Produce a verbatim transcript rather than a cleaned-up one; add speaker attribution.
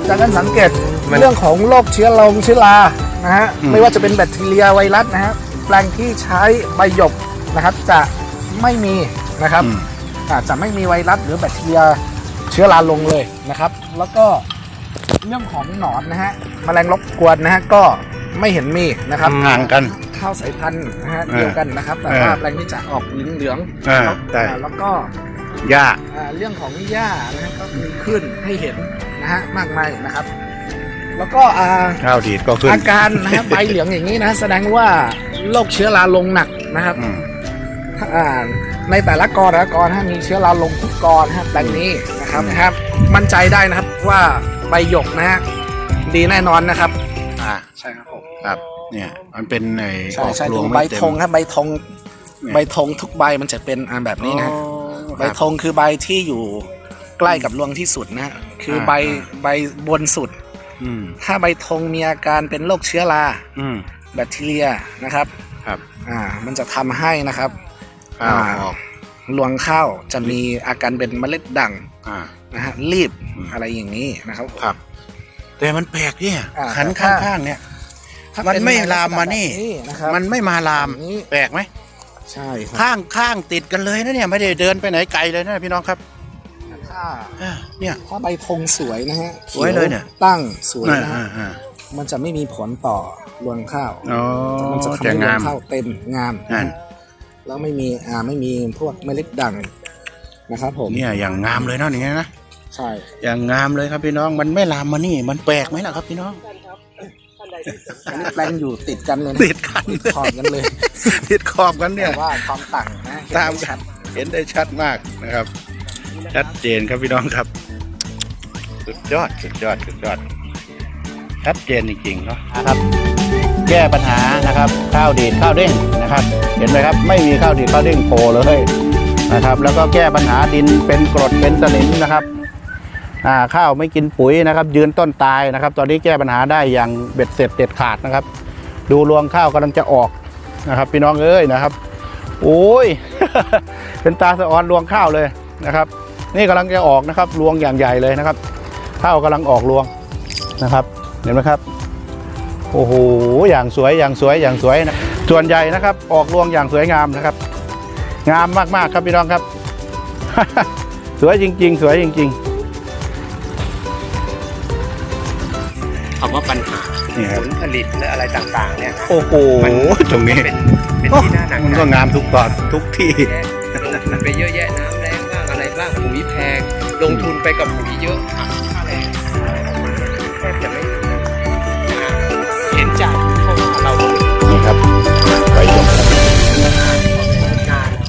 Speaker 1: จากการสังเกตเรื่องของโรคเชื้อลงเชื้อรานะฮะไม่ว่าจะเป็นแบคทีเรียไวรัสนะฮะแปลงที่ใช้ใบหยกนะครับจะไม่มีนะครับอาจจะไม่มีไวรัสหรือแบคทีเรียเชื้อราลงเลยนะครับแล้วก็เรื่องของหนอนนะฮะแมลงรบกวนนะฮะก็ไม่เห็นมีนะครับ
Speaker 2: ห่างกัน
Speaker 1: ข้าวสายพันธุ์นะฮะเดียวกันนะครับแต่ว่าแปลงนี้จะออกเหลืองๆ
Speaker 2: อ่า
Speaker 1: แล้ว
Speaker 2: ใช่
Speaker 1: แล้วก็
Speaker 2: หญ้า
Speaker 1: อ่าเรื่องของหญ้านะฮะก็มีขึ้นให้เห็นนะฮะมากมายนะครับ แล้วก็อ่า
Speaker 2: ข้าวดีดก็ขึ้น
Speaker 1: อาการนะฮะใบเหลืองอย่างนี้นะแสดงว่าโรคเชื้อราลงหนักนะครับ
Speaker 2: อืม
Speaker 1: อ่าในแต่ละกอแต่ละกอนะฮะมีเชื้อราลงทุกกอนะครับแปลงนี้นะครับนะครับ มั่นใจได้นะครับว่าใบหยกนะฮะดีแน่นอนนะครับ
Speaker 2: อ่า
Speaker 1: ใช่ครับผม
Speaker 2: ครับเนี่ยมันเป็นไอ้
Speaker 1: ใช่
Speaker 2: ออก
Speaker 1: ใช่
Speaker 2: รวง
Speaker 1: ดู
Speaker 2: ไม่
Speaker 1: ใบ
Speaker 2: เต็ม
Speaker 1: ธงครับใบธง
Speaker 2: เนี่ย
Speaker 1: ใบธงทุกใบมันจะเป็นอ่าแบบนี้นะ
Speaker 2: อ๋อ
Speaker 1: ใบธงคือใบที่อยู่ใกล้กับรวงที่สุดนะฮะคือใบใบบนสุด
Speaker 2: อืม
Speaker 1: ถ้าใบธงมีอาการเป็นโรคเชื้อรา
Speaker 2: อืม
Speaker 1: แบคทีเรียนะครับ
Speaker 2: ครับ
Speaker 1: อ่ามันจะทำให้นะครับ
Speaker 2: ข้าวออก
Speaker 1: รวงข้าวจะมีอาการเป็นเมล็ดด่าง
Speaker 2: อ่า
Speaker 1: นะฮะรีบ
Speaker 2: อืม
Speaker 1: อะไรอย่างนี้นะครับ
Speaker 2: ครับ แต่มันแปลกเนี่ย
Speaker 1: อ่า
Speaker 2: ขัน
Speaker 1: แต่ถ้า
Speaker 2: ข้างๆเนี่ย
Speaker 1: ถ้า
Speaker 2: มัน
Speaker 1: เป็น
Speaker 2: ไม่
Speaker 1: ใน
Speaker 2: ลามมานี่
Speaker 1: ลักษณะแบบนะครับ
Speaker 2: มันไม่มาลาม
Speaker 1: แบบนี้
Speaker 2: แปลกไหม
Speaker 1: ใช่ครับ
Speaker 2: ข้างข้างติดกันเลยนะเนี่ยไม่ได้เดินไปไหนไกลเลยนะพี่น้องครับ
Speaker 1: ถ้า
Speaker 2: อ่าเนี่ย
Speaker 1: ถ้าใบธงสวยนะฮะ
Speaker 2: สวยเลยเนี่ย
Speaker 1: ตั้งสวย
Speaker 2: อ่า
Speaker 1: นะ
Speaker 2: อ่า
Speaker 1: ฮะ
Speaker 2: อ่า
Speaker 1: มันจะไม่มีผลต่อรวงข้าว
Speaker 2: อ๋อ
Speaker 1: มันจะทำ
Speaker 2: จะ
Speaker 1: ให้รว
Speaker 2: งาง ม
Speaker 1: ข้าวเต็มงาม
Speaker 2: นั่น
Speaker 1: แล้วไม่มีอ่าไม่มีพวกเมล็ดด่างนะครับผม
Speaker 2: เนี่ยอย่างงามเลยเนาะอย่างเงี้ยนะ
Speaker 1: ใช่
Speaker 2: อย่างงามเลยครับพี่น้องมันไม่ลามมานี่มันแปลกไหมล่ะครับพี่น้อง
Speaker 1: อันนี้แปลงอยู่ติดกันเลยนะ
Speaker 2: ติดกัน
Speaker 1: ติดขอบกันเลย
Speaker 2: ติดขอบกันเนี่ย
Speaker 1: แต่ว่าความต่างนะ
Speaker 2: ตาม
Speaker 1: ชัด
Speaker 2: เห็นได้ชัดมากนะครับ ชัดเจนครับพี่น้องครับ สุดยอดสุดยอดสุดยอด ชัดเจนจริงๆเนาะนะครับ แก้ปัญหานะครับข้าวดีดข้าวเด้งนะครับ เห็นไหมครับไม่มีข้าวดีดข้าวเด้งโผล่เลยนะครับ แล้วก็แก้ปัญหาดินเป็นกรดเป็นสนิมนะครับอ่าข้าวไม่กินปุ๋ยนะครับ ยืนต้นตายนะครับ ตอนนี้แก้ปัญหาได้อย่างเบ็ดเสร็จเด็ดขาดนะครับ ดูรวงข้าวกำลังจะออกนะครับ พี่น้องเอ้ยนะครับ โอ้ย เป็นตาสะออนรวงข้าวเลยนะครับ นี่กำลังจะออกนะครับรวงอย่างใหญ่เลยนะครับ ข้าวกำลังออกรวงนะครับ เห็นไหมครับ โอ้โหอย่างสวยอย่างสวยอย่างสวยนะส่วนใหญ่นะครับ ออกรวงอย่างสวยงามนะครับ งามมากๆครับพี่น้องครับ สวยจริงๆ สวยจริง
Speaker 3: คำว่าปัญหา
Speaker 2: ๆนี่ค
Speaker 3: ผ
Speaker 2: รับ
Speaker 3: ลผลิตและอะไรต่างๆเนี่ย
Speaker 2: โอ้โห
Speaker 3: มัน
Speaker 2: ตรงนี้
Speaker 3: เป็นเป็นที่น่าหนัก
Speaker 2: มัน
Speaker 3: ใจ
Speaker 2: ก็งามทุกตอนทุกที่
Speaker 3: ลงทุนไปเยอะแยะน้ำแรงบ้างอะไรบ้างปุ๋ยแพงลงทุนไปกับปุ๋ยเยอะค่าแรง